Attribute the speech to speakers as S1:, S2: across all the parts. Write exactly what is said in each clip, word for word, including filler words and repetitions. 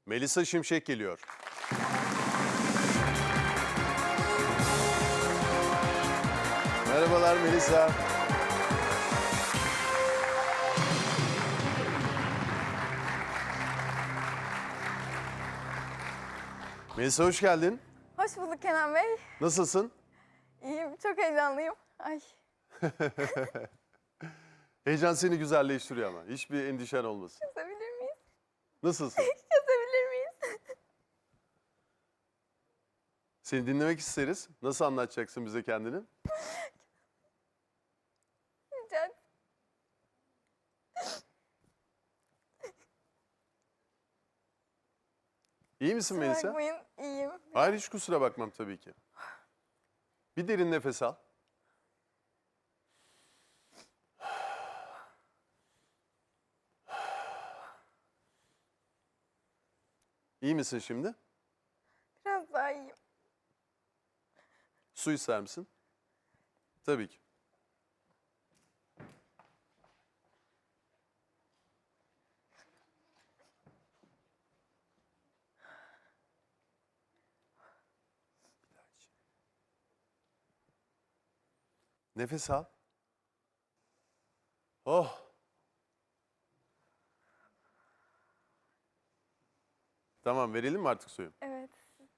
S1: Melisa Şimşek geliyor. Merhabalar Melisa. Melisa hoş geldin.
S2: Hoş bulduk Kenan Bey.
S1: Nasılsın?
S2: İyiyim, çok heyecanlıyım. Ay.
S1: Heyecan seni güzelleştiriyor ama. Hiçbir endişen olmasın.
S2: Kesebilir miyiz?
S1: Nasılsın?
S2: Kesebilir miyiz?
S1: Seni dinlemek isteriz. Nasıl anlatacaksın bize kendini?
S2: Rica
S1: İyi misin
S2: kusura
S1: Melisa?
S2: bakmayın, iyiyim.
S1: Hayır hiç kusura bakmam tabii ki. Bir derin nefes al. İyi misin şimdi?
S2: Biraz daha iyiyim.
S1: Su ister misin? Tabii ki. Nefes al. Oh. Tamam verelim mi artık suyu?
S2: Evet.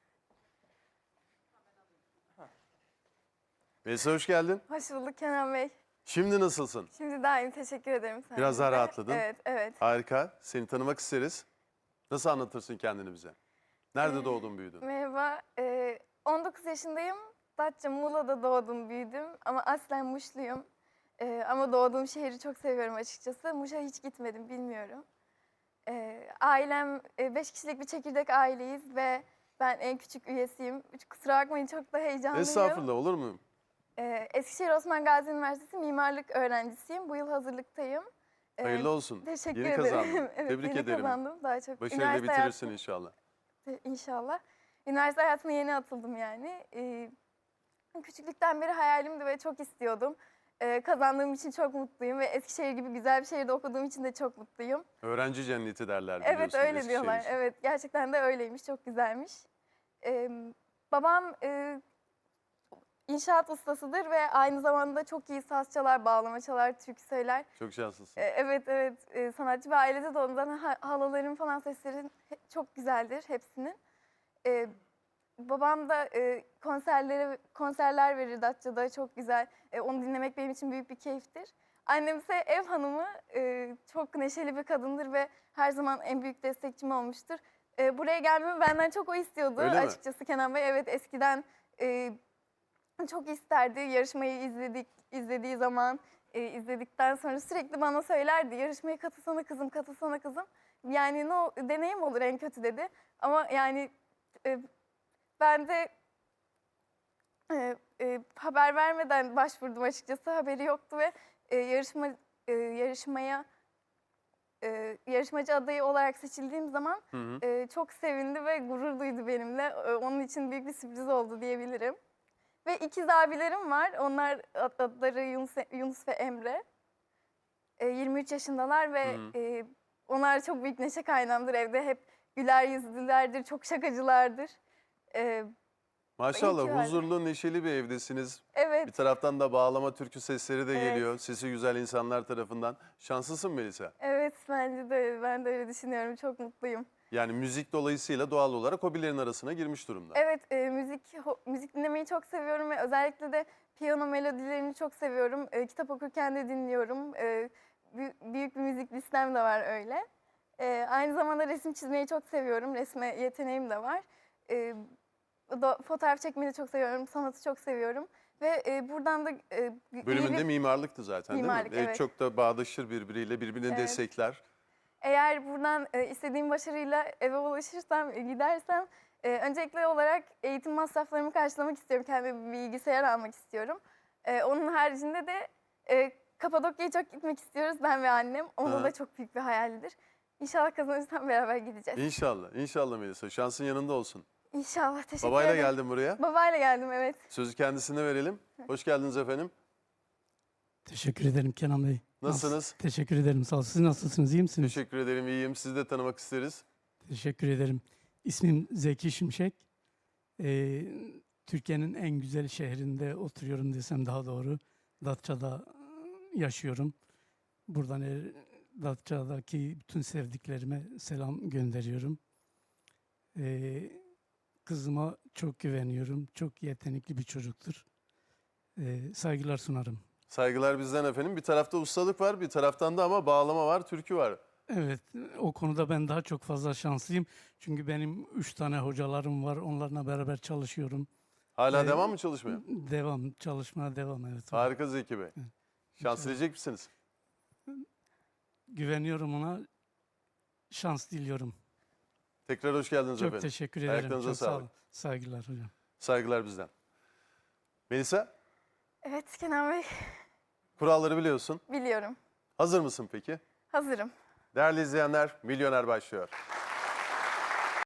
S1: Melisa hoş geldin.
S2: Hoş bulduk Kenan Bey.
S1: Şimdi nasılsın?
S2: Şimdi daha iyiyim, teşekkür ederim.
S1: Biraz daha
S2: sayenizde.
S1: rahatladın.
S2: Evet, evet.
S1: Harika. Seni tanımak isteriz. Nasıl anlatırsın kendini bize? Nerede
S2: Ee,
S1: doğdun büyüdün?
S2: Merhaba, ee, on dokuz yaşındayım. Datça, Muğla'da doğdum, büyüdüm. Ama aslen Muşluyum. Ee, ama doğduğum şehri çok seviyorum açıkçası. Muş'a hiç gitmedim, bilmiyorum. Ee, ailem e, beş kişilik bir çekirdek aileyiz ve ben en küçük üyesiyim. Hiç kusura bakmayın, çok da heyecanlıyım.
S1: Estağfurullah olur mu?
S2: Ee, Eskişehir Osman Gazi Üniversitesi mimarlık öğrencisiyim. Bu yıl hazırlıktayım. Ee,
S1: Hayırlı olsun.
S2: Teşekkür
S1: Yeni
S2: ederim.
S1: kazandın.
S2: Evet,
S1: Tebrik
S2: yeni
S1: ederim.
S2: kazandım. Daha çok.
S1: Başarıyla
S2: Üniversite
S1: bitirirsin
S2: hayatı-
S1: inşallah.
S2: İnşallah. Üniversite hayatına yeni atıldım yani. Ee, küçüklükten beri hayalimdi ve çok istiyordum. Ee, kazandığım için çok mutluyum ve Eskişehir gibi güzel bir şehirde okuduğum için de çok mutluyum.
S1: Öğrenci cenneti derler biliyorsun.
S2: Evet öyle
S1: Eskişehir
S2: diyorlar.
S1: için.
S2: Evet gerçekten de öyleymiş. Çok güzelmiş. Ee, babam e, inşaat ustasıdır ve aynı zamanda çok iyi saz çalar, bağlama çalar, türkü söyler.
S1: Çok şanslısın.
S2: Ee, evet evet e, sanatçı bir ailede doğdum. Zaten ha- halaların falan sesleri he- çok güzeldir hepsinin. Ee, babam da e, konserlere konserler verir Datça'da çok güzel. E, onu dinlemek benim için büyük bir keyiftir. Annem ise ev hanımı, e, çok neşeli bir kadındır ve her zaman en büyük destekçim olmuştur. E, buraya gelmemi benden çok o istiyordu
S1: Öyle mi?
S2: açıkçası Kenan Bey. Evet eskiden e, çok isterdi. Yarışmayı izledik izlediği zaman, e, izledikten sonra sürekli bana söylerdi. Yarışmaya katılsana kızım, katılsana kızım. Yani ne o- deneyim olur en kötü dedi. Ama yani e, ben de e, e, haber vermeden başvurdum açıkçası. Haberi yoktu ve e, yarışma e, yarışmaya e, yarışmacı adayı olarak seçildiğim zaman
S1: Hı hı.
S2: e, çok sevindi ve gurur duydu benimle. E, onun için büyük bir sürpriz oldu diyebilirim. Ve ikiz abilerim var. Onlar ad- adları Yunus, Yunus ve Emre. E, yirmi üç yaşındalar ve
S1: Hı hı.
S2: e, onlar çok büyük neşe kaynağımdır. Evde hep güler yüzlülerdir, çok şakacılardır. E,
S1: Maşallah
S2: İyi ki var.
S1: huzurlu, neşeli bir evdesiniz.
S2: evet.
S1: Bir taraftan da bağlama türkü sesleri de
S2: Evet.
S1: geliyor. Sesi güzel insanlar tarafından. Şanslısın Melisa.
S2: Evet bence de öyle. Ben de öyle düşünüyorum. Çok mutluyum.
S1: Yani müzik dolayısıyla doğal olarak hobilerin arasına girmiş durumda.
S2: Evet e, müzik ho- müzik dinlemeyi çok seviyorum ve özellikle de piyano melodilerini çok seviyorum. E, kitap okurken de dinliyorum. E, bü- büyük bir müzik listem de var öyle. E, aynı zamanda resim çizmeyi çok seviyorum. Resme yeteneğim de var. E, do- fotoğraf çekmeyi de çok seviyorum. Sanatı çok seviyorum. Ve e, buradan da e, iyi
S1: Bölümünde
S2: bir-
S1: mimarlıktı zaten
S2: Mimarlık,
S1: değil mi? E,
S2: evet.
S1: Çok da bağdaşır birbiriyle, birbirini
S2: Evet.
S1: destekler.
S2: Eğer buradan e, istediğim başarıyla eve ulaşırsam, e, gidersem e, öncelikli olarak eğitim masraflarımı karşılamak istiyorum. Kendime bir bilgisayar almak istiyorum. E, onun haricinde de e, Kapadokya'ya çok gitmek istiyoruz ben ve annem. Onda
S1: Aha.
S2: da çok büyük bir hayaldir. İnşallah kazanırsam beraber gideceğiz.
S1: İnşallah, inşallah Melisa. Şansın yanında olsun.
S2: İnşallah. Teşekkür
S1: Babayla
S2: ederim.
S1: geldin buraya.
S2: Babayla geldim evet.
S1: Sözü kendisine verelim. Hoş geldiniz efendim.
S3: Teşekkür ederim Kenan Bey.
S1: Nasılsınız?
S3: Nasıl- Teşekkür ederim. Sağ olun. Siz nasılsınız? İyi misiniz?
S1: Teşekkür ederim, iyiyim. Sizi de tanımak isteriz.
S3: Teşekkür ederim. İsmim Zeki Şimşek. Ee, Türkiye'nin en güzel şehrinde oturuyorum desem daha doğru. Datça'da yaşıyorum. Buradan e, Datça'daki bütün sevdiklerime selam gönderiyorum. Ee, kızıma çok güveniyorum. Çok yetenekli bir çocuktur. Ee, saygılar sunarım.
S1: Saygılar bizden efendim. Bir tarafta ustalık var, bir taraftan da ama bağlama var, türkü var.
S3: Evet, o konuda ben daha çok fazla şanslıyım. Çünkü benim üç tane hocalarım var. Onlarla beraber çalışıyorum.
S1: Hala
S3: Ee,
S1: devam mı çalışmaya?
S3: Devam, çalışmaya devam, evet.
S1: Harika Zeki Bey. Şans dileyecek misiniz?
S3: Güveniyorum ona. Şans diliyorum.
S1: Tekrar hoş geldiniz
S3: Çok
S1: efendim.
S3: teşekkür ederim.
S1: Ayaklarınıza
S3: Çok sağ
S1: sağlık.
S3: olun. Saygılar hocam.
S1: Saygılar bizden. Melisa,
S2: Evet Kenan Bey,
S1: kuralları biliyorsun.
S2: biliyorum.
S1: Hazır mısın peki?
S2: Hazırım.
S1: Değerli izleyenler, Milyoner başlıyor.